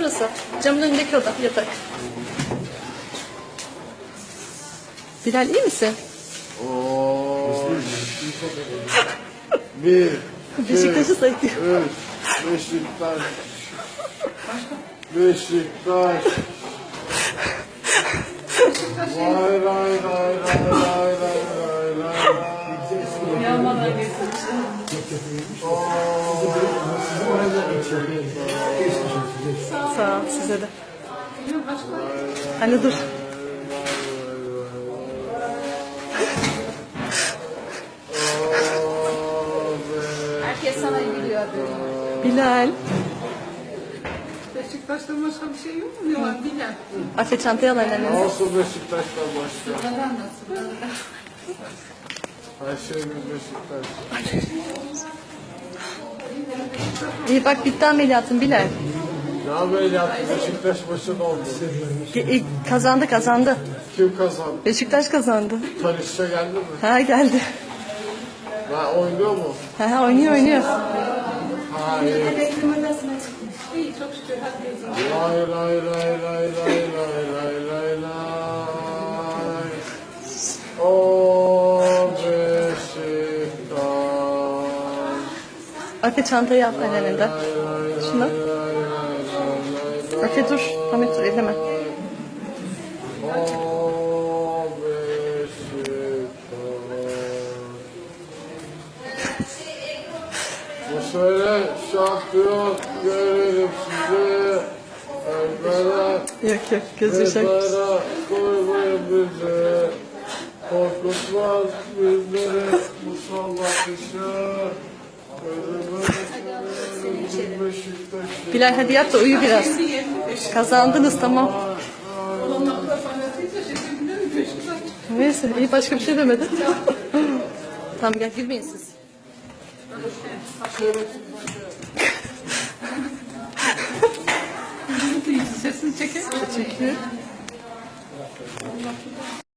orası. Camın önündeki oda, yatak. Bilal iyi misin? Oo. Bir, Beşiktaş'ı sayıklıyor. üç, Beşiktaş. Beşiktaş. Vay ray ray ray ray ray ray ray. Yağmadan getirmiş. Sağ ol size de. Anne dur. Herkes sana gülüyor böyle. Bilal. Beşiktaş'ta başka bir şey yok mu? Ne var Bilal? Afe çantayı al annenize. Nasıl Beşiktaş'tan başka? Neden nasıl? Her şeyimiz Beşiktaş. İyi bak bitti ameliyatın Bilal. Ne ameliyatı? Beşiktaş başında oldu. Kazandı. Kim kazandı? Beşiktaş kazandı. Tanışça geldi mi? Ha geldi. Ben oynuyor mu? Ha oynuyor. Hayır. İyi çok şükür. Hadi. Lay lay lay lay lay lay lay lay lay. O Beşiktaş. Afe çantayı al anneninden. Şuna. Afe dur. Ahmet dur elleme. O Beşiktaş. Bu sene şampiyon görelim sizi. Ölmeden Yok göz yaşı. mezara koymayın bizi. Korkutmaz bizleri musallat işe. Gözümü Beşiktaş'ı. Bilal hadi yat da uyu biraz. Kazandınız tamam. Ondan sonra fanatiyse şimdi biliyor musun Beşiktaş? Neyse iyi başka bir şey demedin. Tamam gel gülmeyin siz. Sesini çeker misin? Çekiyor.